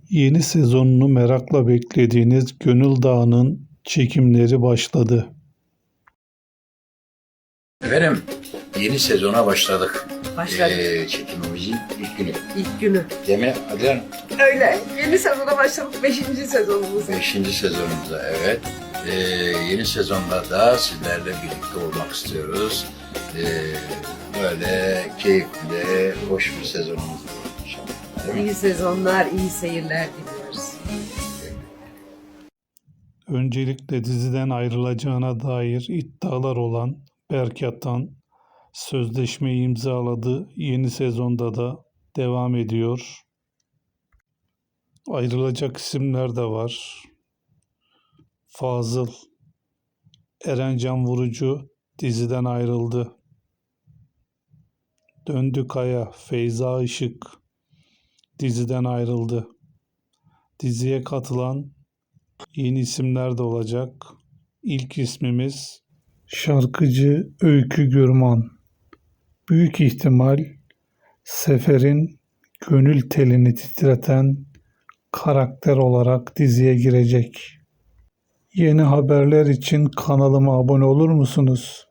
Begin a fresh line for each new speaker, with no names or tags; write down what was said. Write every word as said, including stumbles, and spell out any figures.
Yeni sezonunu merakla beklediğiniz Gönül Dağı'nın çekimleri başladı.
Efendim, yeni sezona başladık.
Başladık.
Ee, çekimimizin ilk günü.
İlk günü.
Değil mi Adrian?
Öyle. Yeni sezona başladık. Beşinci sezonumuz.
Beşinci sezonumuza, evet. Ee, yeni sezonda da sizlerle birlikte olmak istiyoruz. Ee, böyle keyifli, hoş bir sezonumuz olur inşallah. Değil mi?
İyi sezonlar, iyi seyirler diliyoruz.
Öncelikle diziden ayrılacağına dair iddialar olan Berk Atan sözleşmeyi imzaladı. Yeni sezonda da devam ediyor. Ayrılacak isimler de var. Fazıl, Erencan Vurucu diziden ayrıldı. Döndü Kaya, Feyza Işık diziden ayrıldı. Diziye katılan yeni isimler de olacak. İlk ismimiz şarkıcı Öykü Gürman. Büyük ihtimal Sefer'in gönül telini titreten karakter olarak diziye girecek. Yeni haberler için kanalıma abone olur musunuz?